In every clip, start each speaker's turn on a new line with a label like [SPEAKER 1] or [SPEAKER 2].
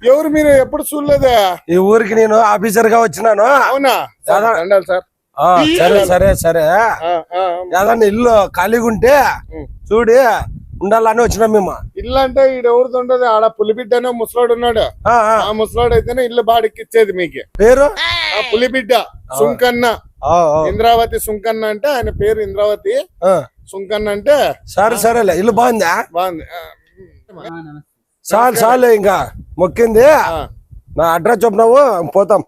[SPEAKER 1] ఎవరు మీరు ఎప్పుడు చూడలేదా?
[SPEAKER 2] ఈ ఊరికి నేను ఆఫీసర్ గా వచ్చినాను.
[SPEAKER 1] అవునా సార్?
[SPEAKER 2] సరే సరే సరే. ఏదన్నా ఇల్లు ఖాళీగా ఉంటే చూడి ఉండాలని వచ్చినాం మేము.
[SPEAKER 1] ఇల్లు అంటే ఈడ ఎవరిది ఉండదు, ఆడ పులిబిడ్డ ముసలాడు ఉన్నాడు. ఆ ముసలాడు అయితేనే ఇల్లు బాడికిచ్చేది మీకు.
[SPEAKER 2] పేరు
[SPEAKER 1] పులిబిడ్డ సుంకన్న, ఇంద్రావతి సుంకన్న అంటే ఆయన పేరు ఇంద్రావతి సుంకన్న అంటే.
[SPEAKER 2] సరే సరేలే, ఇల్లు బాగుందా?
[SPEAKER 1] బాగుంది.
[SPEAKER 2] చాలు చాలు, ఇంకా మొక్కింది. నా అడ్రస్ చెప్పినావు, పోతాం.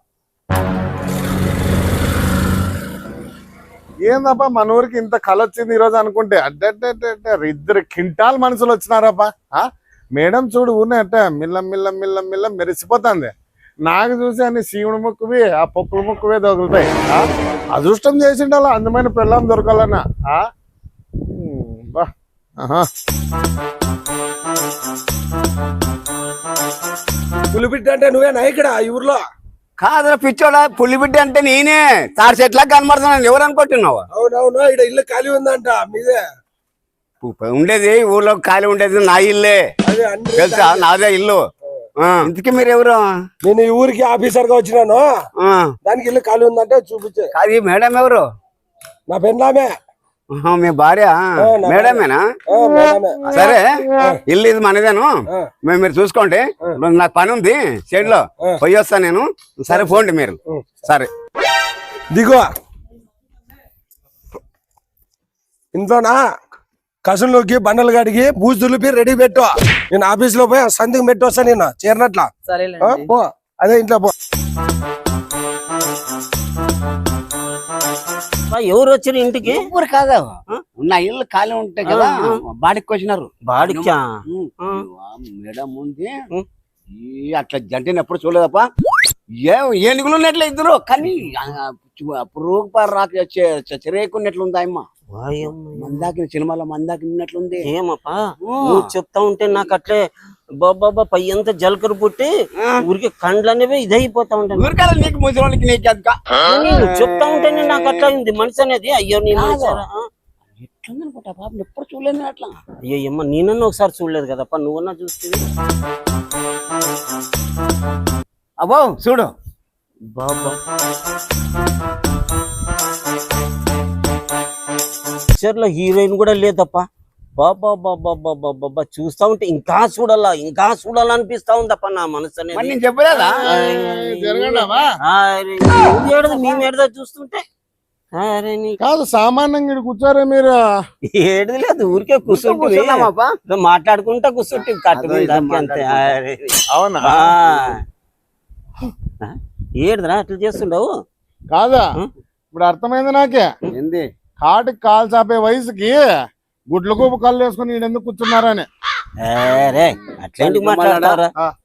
[SPEAKER 1] ఏందబ్బా మన ఊరికి ఇంత కళ వచ్చింది ఈరోజు అనుకుంటే, ఇద్దరు కింటాల్ మనుషులు వచ్చినారబ్బా. మేడం చూడు ఊరినే అట్ట మిల్ల మిల్ల మిల్ల మిల్ల మెరిసిపోతుంది. నాకు చూసి అన్ని శివుడు ముక్కువి ఆ పొక్కుల ముక్కువే దొరుకుతాయి. అదృష్టం చేసిండాల అందమైన పిల్లం దొరకాలన్నా.
[SPEAKER 2] పులిబిడ్డ అంటే నువ్వేనా ఇక్కడ ఈ ఊర్లో?
[SPEAKER 3] కాదురా పిచ్చోడా, పులిబిడ్డ అంటే నేనే. తాడి చెట్లా కనబడుతున్నాను, ఎవరు అనుకుంటున్నావు?
[SPEAKER 2] అవునవును, ఇక్కడ ఇల్లు ఖాళీ ఉందంట మీదే.
[SPEAKER 3] ఉండేది ఊర్లో ఖాళీ ఉండేది నా ఇల్లే తెలుసా, నాదే ఇల్లు. ఇంతకీ మీరు ఎవరు?
[SPEAKER 2] నేను ఈ ఊరికి ఆఫీసర్ గా వచ్చినాను, దానికి ఇల్లు ఖాళీ ఉందంటే చూపించే.
[SPEAKER 3] అది మేడం ఎవరు?
[SPEAKER 2] నా పెన్నామే.
[SPEAKER 3] మీ భార్య మేడమేనా? సరే, ఇల్లు ఇది మనదేను, మీరు చూసుకోండి. నాకు పని ఉంది షెడ్లో, పోయి వస్తాను నేను. సరే పోండి మీరు. సరే
[SPEAKER 2] దిగో. ఇంట్లోనా కసులోకి బండలు గడిగి బూజు దులిపి రెడీ పెట్టు. నేను ఆఫీస్ లో పోయి సందికి పెట్టి వస్తా. నేను చేరినట్లా పో, అదే ఇంట్లో పో.
[SPEAKER 3] ఎవరు వచ్చారు ఇంటికి? ఊరు కాదా, నా ఇల్లు ఖాళీ ఉంటాయి కదా, బాడికి వచ్చినారు. బాడికా? మేడం ఉంది. అట్లా జంటని ఎప్పుడు చూడలేదప్ప. ఏనుగులు ఉన్నట్లు ఇద్దరు, కానీ అప్పుడు చెరేకున్నట్లు ఉంది అమ్మ. మందాకి సినిమాలో మందాకి ఉన్నట్లుంది.
[SPEAKER 4] ఏమప్పా నువ్వు చెప్తా ఉంటే నాకు అట్లే బాబా పై అంతా జలకరు పుట్టి ఊరికి కండ్లు అనేవి ఇదైపోతా ఉంటాను.
[SPEAKER 3] నీకు ముసలికి నీకు
[SPEAKER 4] చెప్తా ఉంటేనే నాకు అట్లా ఉంది మనిషి అనేది. అయ్యో నీ
[SPEAKER 3] ఎట్లుందనుకుంటా పాప, ఎప్పుడు చూడలేదు అట్లా.
[SPEAKER 4] అయ్యో అమ్మ, నేనన్నా ఒకసారి చూడలేదు కదప్ప, నువ్వన్నా చూస్తే.
[SPEAKER 3] అబ్బో చూడు
[SPEAKER 4] బాబా, పిక్చర్ లో హీరోయిన్ కూడా లేదప్ప. బాబా బాబా బాబా బాబా, చూస్తా ఉంటే ఇంకా చూడాలా అనిపిస్తా ఉందప్ప నా మనసు అనేది.
[SPEAKER 3] నేను చెప్పలేదా?
[SPEAKER 4] మేము ఏడదా చూస్తుంటే.
[SPEAKER 1] కాదు సామాన్యంగా కూర్చోరే మీరు?
[SPEAKER 4] ఏడది లేదు, ఊరికే కూర్చుంటే మాట్లాడుకుంటా కూర్చుంటే కట్టు అంతే.
[SPEAKER 1] అవునా?
[SPEAKER 4] ఏడదరా అట్లా చేస్తుండవు?
[SPEAKER 1] కాదా, ఇప్పుడు అర్థమైంది నాకే.
[SPEAKER 3] ఏంది
[SPEAKER 1] కాటికి కాలు చాపే వయసుకి గుడ్ల గోపు కళ్ళు వేసుకుని ఎందుకు కూర్చున్నారని.
[SPEAKER 4] అట్లాంటి మాట్లాడతారా?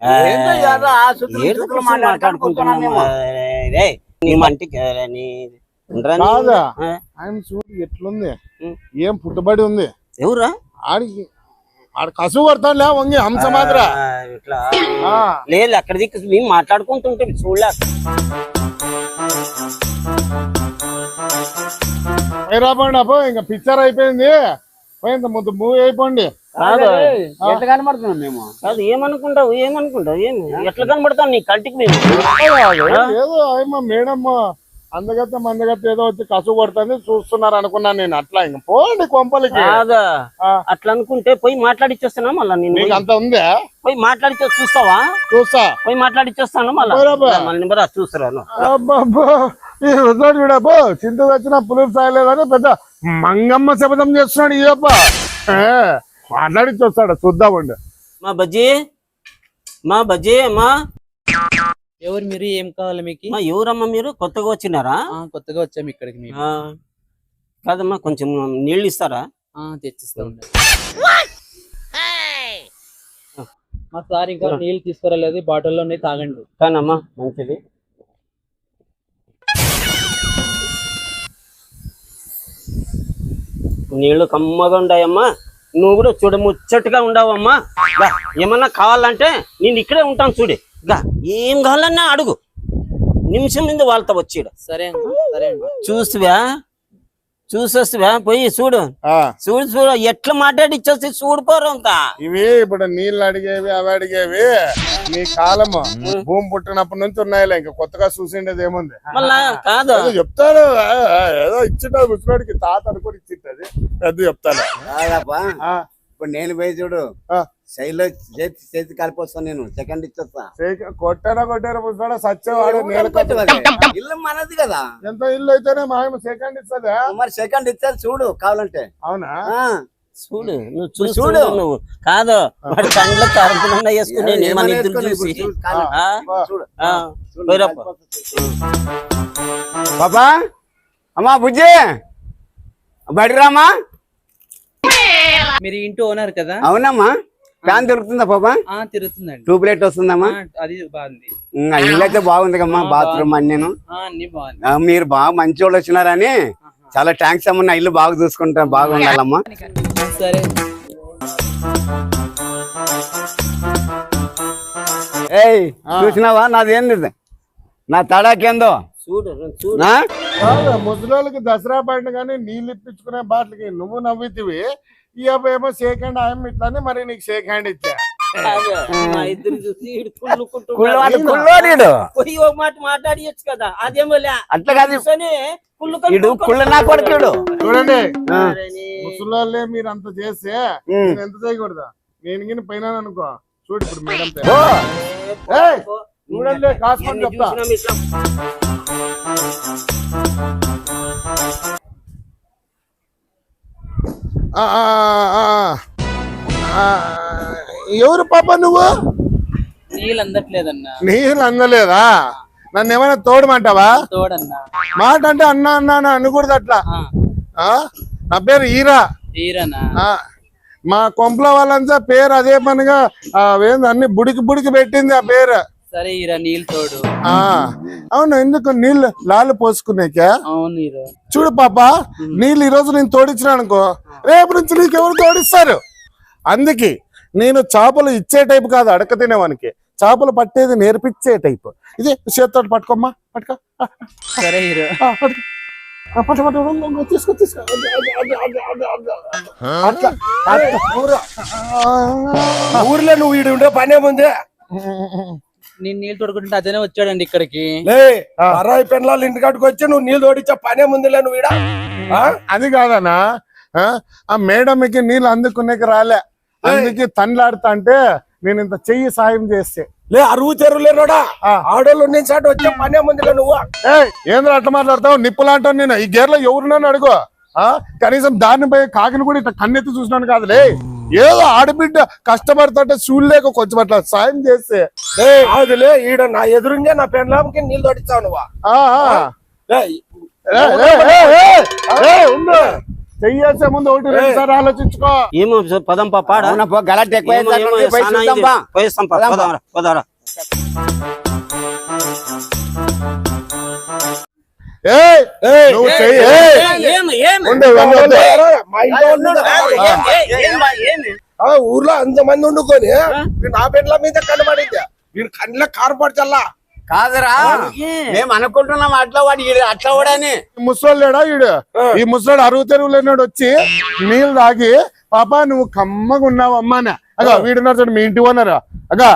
[SPEAKER 1] కాదా, ఆయన చూడు ఎట్లుంది, ఏం పుట్టుబడి ఉంది.
[SPEAKER 4] ఎవరా?
[SPEAKER 1] ఆడికి ఆడ కసువు కొడతాడులే వంగి హంస మాత్ర.
[SPEAKER 4] లేదు అక్కడ దిక్కు మేము మాట్లాడుకుంటుంటే చూడలేక.
[SPEAKER 1] రాబండి అబ్బో, ఇంకా పిక్చర్ అయిపోయింది, పోయింది ముద్దు మూవీ అయిపోండి.
[SPEAKER 3] ఎట్లా కనబడుతున్నాం మేము?
[SPEAKER 4] కాదు ఏమనుకుంటావు ఏమి ఎట్లా కనబడతాం నీ కంటికి? మేము
[SPEAKER 1] ఏదో అయ్యమ్మ మేడం అందగత్త మందగత్త ఏదో వచ్చి కసువు కొడుతుంది చూస్తున్నారు అనుకున్నాను నేను. అట్లా ఇంకా పోండి కొంపలకి.
[SPEAKER 4] కాదా, అట్లా అనుకుంటే పోయి మాట్లాడిచ్చేస్తానా మళ్ళా? నేను
[SPEAKER 1] అంత ఉందా?
[SPEAKER 4] పోయి మాట్లాడిచ్చే చూస్తావా?
[SPEAKER 1] చూస్తా,
[SPEAKER 4] పోయి మాట్లాడిచ్చేస్తాను మళ్ళీ చూస్తాను.
[SPEAKER 1] చూడబ్బో చింత వచ్చిన పులుపు సాయలేదని పెద్ద మంగమ్మ శపథం చేస్తున్నాడు ఈ అప్ప. మాట్లాడిచ్చొస్తాడు, చూద్దామండి.
[SPEAKER 4] మా బజ్జీ అమ్మా.
[SPEAKER 5] ఎవరు మీరు? ఏం కావాలి మీకు?
[SPEAKER 4] ఎవరమ్మా మీరు? కొత్తగా వచ్చినారా?
[SPEAKER 5] కొత్తగా వచ్చాము ఇక్కడికి.
[SPEAKER 4] కాదమ్మా, కొంచెం నీళ్ళు ఇస్తారా?
[SPEAKER 5] తెచ్చిస్తా ఉండండి. మా సార్ ఇంకా నీళ్ళు తీసుకురాలేదు, బాటిల్లోనే తాగండి.
[SPEAKER 4] కానమ్మా మంచిది. నీళ్లు కమ్మగా ఉండాయమ్మా. నువ్వు కూడా చూడ ముచ్చటగా ఉండవమ్మా. ఏమన్నా కావాలంటే నేను ఇక్కడే ఉంటాను చూడు. ఏం కావాలన్నా అడుగు, నిమిషం మీద వాళ్ళతో వచ్చాడు.
[SPEAKER 5] సరే సరే
[SPEAKER 4] చూసొస్తువా? పోయి చూడు ఎట్లా మాట్లాడిచ్చేసి చూడిపోరు అంతా.
[SPEAKER 1] ఇవి ఇప్పుడు నీళ్ళు అడిగేవి అవి అడిగేవి నీ కాలము భూమి పుట్టినప్పటి నుంచి ఉన్నాయిలే, ఇంకా కొత్తగా చూసిండేది ఏముంది.
[SPEAKER 4] మళ్ళా కాదు
[SPEAKER 1] ఏదో చెప్తాను, ఏదో ఇచ్చింటావు ముసలోడికి, తాత అనుకుని ఇచ్చింటది పెద్ద చెప్తాను.
[SPEAKER 3] కాదప్పా
[SPEAKER 1] ఆ,
[SPEAKER 3] ఇప్పుడు నేను పోయి చూడు
[SPEAKER 1] ఆ.
[SPEAKER 3] శైలిలో చేతి కలిపి వస్తాను, నేను సెకండ్ ఇచ్చేస్తా.
[SPEAKER 1] కొట్టారా ముసలోడా సచ్చేవాడు నేల
[SPEAKER 3] ఇల్లు మనది కదా,
[SPEAKER 1] ఎంత ఇల్లు అయితేనే మా సెకండ్ ఇస్తుందా?
[SPEAKER 3] మరి సెకండ్ ఇచ్చేది చూడు కావాలంటే.
[SPEAKER 1] అవునా?
[SPEAKER 4] చూడు నువ్వు చూడు నువ్వు కాదు వాడి కండ్ల తరపున వేసుకుని మన ఇద్దరు చూసి
[SPEAKER 3] పాపా అమ్మా బుజ్జి బడిరామా.
[SPEAKER 5] మీరు ఇంటి ఓనర్ కదా?
[SPEAKER 3] అవునమ్మా. ఫ్యాన్ దొరుకుతుందా పాపా?
[SPEAKER 5] తిరుగుతుందండి.
[SPEAKER 3] ట్యూబ్ లైట్ వస్తుందమ్మా?
[SPEAKER 5] అది బాగుంది.
[SPEAKER 3] ఇల్లు అయితే బాగుంది కమ్మా, బాత్రూమ్ అన్ని
[SPEAKER 5] అన్ని బాగుంది.
[SPEAKER 3] మీరు బాగా మంచి వాళ్ళు వచ్చినారని చాలా థ్యాంక్స్ అమ్మా. నా ఇల్లు బాగా చూసుకుంటా, బాగుండాలమ్మా.
[SPEAKER 5] సరే
[SPEAKER 3] ఏయ్ చూసినావా నాదేంది, నా తడాకేందో
[SPEAKER 4] చూడు చూడు.
[SPEAKER 1] ముసలోళ్ళకి దసరా పండుగని నీళ్ళు ఇప్పించుకునే బాటలకి నువ్వు నవ్వుతివి, ఈ అబ్బాయి ఏమో షేక్ హ్యాండ్ ఆయన ఇట్లానే మరి నీకు షేక్ హ్యాండ్ ఇచ్చా.
[SPEAKER 4] మా ఇద్దరు చూసి
[SPEAKER 3] కుళ్ళోడు
[SPEAKER 4] పోయి ఒక మాట మాట్లాడియచ్చు కదా, అదేమో
[SPEAKER 3] అట్లా కాదు, కుళ్ళ నా కొడుకుడు.
[SPEAKER 1] చూడండి ముసలోళ్ళే మీరు అంత చేస్తే నేను ఎంత చేయకూడదు, నేను గిని పైన అనుకో. చూడు ఇప్పుడు మేడం చూడండి కాసుకొని చెప్తా. ఎవరు పాప నువ్వు?
[SPEAKER 5] నీళ్ళు అందట్లేదన్నా.
[SPEAKER 1] నీళ్ళు అందలేదా? నన్ను ఏమైనా తోడమంటావా?
[SPEAKER 5] తోడన్నా.
[SPEAKER 1] మాట అంటే అన్నా అన్నా అని అనకూడదు అట్లా. నా పేరు ఈరా.
[SPEAKER 5] ఈరానా?
[SPEAKER 1] మా కొంపల వాళ్ళంతా పేరు అదే పనిగా అన్ని బుడికి పెట్టింది ఆ పేరు.
[SPEAKER 5] సరే ఈరా నీళ్ళు తోడు.
[SPEAKER 1] అవును, ఎందుకు నీళ్ళు లాలు పోసుకునేకా?
[SPEAKER 5] అవును ఈరా.
[SPEAKER 1] చూడు పాప, నీళ్ళు ఈ రోజు నేను తోడించిన అనుకో, రేపు నుంచి నీకు ఎవరు తోడిస్తారు. అందుకే నేను చేపలు ఇచ్చే టైపు కాదు, అడక తినేవానికి. చేపలు పట్టేది నేర్పించే టైపు. ఇదే చేతితో పట్టుకోమ్మా, పట్టుకో.
[SPEAKER 5] సరే హీరో.
[SPEAKER 1] తీసుకో తీసుకో. అట్లా
[SPEAKER 2] ఊర్లో నువ్వు వీడు ఉండే పనే ముందే
[SPEAKER 5] నేను నీళ్ళు తోడుకుంటే అతనే వచ్చాడండి ఇక్కడికి.
[SPEAKER 2] అరాయి పెన్లాలు ఇంటికాడికి వచ్చి నువ్వు నీళ్ళు తోడిచ్చా పనే ముందులే నువ్వు ఈడ.
[SPEAKER 1] అది కాదనా, ఆ మేడంకి నీళ్ళు అందుకునేకి రాలే, అందుకే తన్లాడుతా అంటే నేను ఇంత చెయ్యి సాయం చేస్తే.
[SPEAKER 2] లే అరువు చెరువులేనోడా, ఆడోళ్ళు నేను చాటు వచ్చే పనే ముందులే నువ్వు.
[SPEAKER 1] ఏంద్ర అట్లా మాట్లాడతావు? నిప్పులాంటావు నేను. ఈ గేర్లో ఎవరున్నాను అడుగు. కనీసం దాన్ని పోయి కాకిని కూడా ఇట్లా కన్నెత్తి చూసినాను కాదులే. ఏదో ఆడబిడ్డ కష్టపడుతుంటే చూడలేక కొంచెం అట్లా సాయం చేస్తే.
[SPEAKER 2] అదిలే ఈడ నా ఎదురుంగే నా పెన్లాంకి నీళ్ళు తోడిస్తావు నువ్వు.
[SPEAKER 1] చెయ్యేసే ముందు ఒకటి రెండు సార్లు ఆలోచించుకో.
[SPEAKER 4] ఏమో పదం పాడా
[SPEAKER 3] గలట్ ఎక్కువ
[SPEAKER 4] పదరా.
[SPEAKER 1] నువ్వు చెయ్యి.
[SPEAKER 2] ఊర్లో అంతమంది వండుకొని నా పెన్ల మీద కనబడింది, వీడు కళ్ళ కారపడి చల్లా.
[SPEAKER 3] కాదురా, మేము అనుకుంటున్నాం అట్లా వాడు అట్లా వాడని.
[SPEAKER 1] ముసలోడు లేడా ఈడు? ఈ ముసలోడు అరువు తెరువులేనాడు వచ్చి నీళ్ళు తాగి, పాప నువ్వు కమ్మగా ఉన్నావు అమ్మానే. అగా వీడున్నారు చూడు, మీ ఇంటి ఓనరు. అగా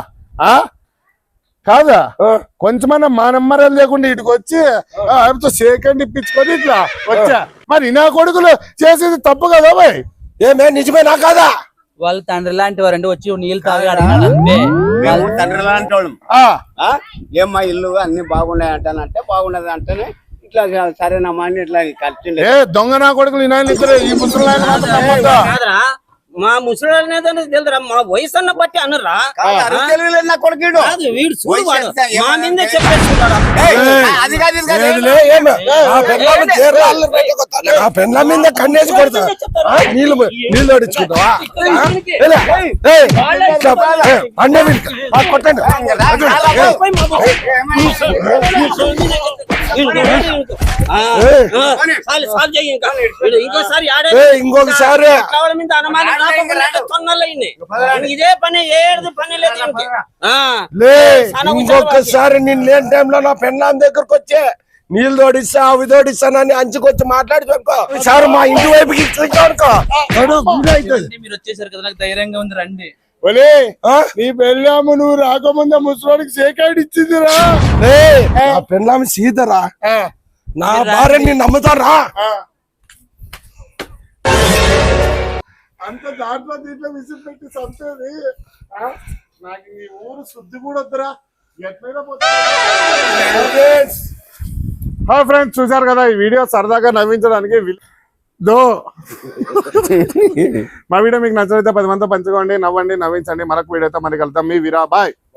[SPEAKER 1] కాదా, కొంచెమన్నా మా నమ్మరాలు లేకుండా ఇటుకు వచ్చి ఆయనతో సేకండి ఇప్పించుకొని ఇట్లా వచ్చా. మరి నా కొడుకులు చేసేది తప్పు కదా బాయ్?
[SPEAKER 2] ఏమే నిజమేనా కాదా?
[SPEAKER 5] వాళ్ళు తండ్రి లాంటి వారండి, వచ్చి నీళ్ళు తాగి అడిగినాడు అంతే.
[SPEAKER 3] తండ్రి లాంటి వాళ్ళం. ఏమ్మా ఇల్లు అన్ని బాగున్నాయి అంటానంటే బాగున్నది అంటేనే ఇట్లా సరేనమ్మా అని ఇట్లా ఖర్చు.
[SPEAKER 1] దొంగ నా కొడుకులు ఈ ముసలి
[SPEAKER 4] మా ముసలి తెలుదురా, మా వయసు అన్న బట్టి అనరా.
[SPEAKER 3] నా కొడుకు
[SPEAKER 4] వీడు మా మీదే చెప్పేస్తున్నాడు.
[SPEAKER 2] పెన్ల మీద కన్నేసి కొడతా, నీళ్ళు తోడించుకుంటావా? కొట్టండి.
[SPEAKER 4] ఇంకొకసారి ఇదే పని ఏడు పని లేదు.
[SPEAKER 2] ఇంకొకసారి నేను లేని టైంలో నా పెన్లాం దగ్గరకు వచ్చే నీళ్ళు తోడిస్తా అవి తోడిస్తానని అంచుకొచ్చి మాట్లాడి చెప్పుకో. సార్ మా ఇంటి వైపుకి
[SPEAKER 5] మీరు వచ్చేసారు కదా, నాకు ధైర్యంగా ఉంది రండి.
[SPEAKER 1] ఒలే
[SPEAKER 2] ఆ?
[SPEAKER 1] నీ పెళ్ళాము నువ్వు రాకముందే ముసలోడికి సేకాడి ఇచ్చిందిరా.
[SPEAKER 2] ఏయ్, నా పెళ్ళామి సీతరా, నా భార్యని నమ్ముతారా?
[SPEAKER 1] అంత దాంట్లో దీంట్లో విసిరి పెట్టి చంపేది. నాకు నీ ఊరు శుద్ధి కూడా వద్దురా. ఎట్లయినా హాయ్ ఫ్రెండ్స్, చూసారు కదా ఈ వీడియో సరదాగా నవ్వించడానికి మా వీడియో మీకు నచ్చినైతే 10 మందితో పంచుకోండి, నవ్వండి, నవ్వించండి. మరొక వీడియోతో మరి కలుద్దాం. మీ వీరా, బాయ్.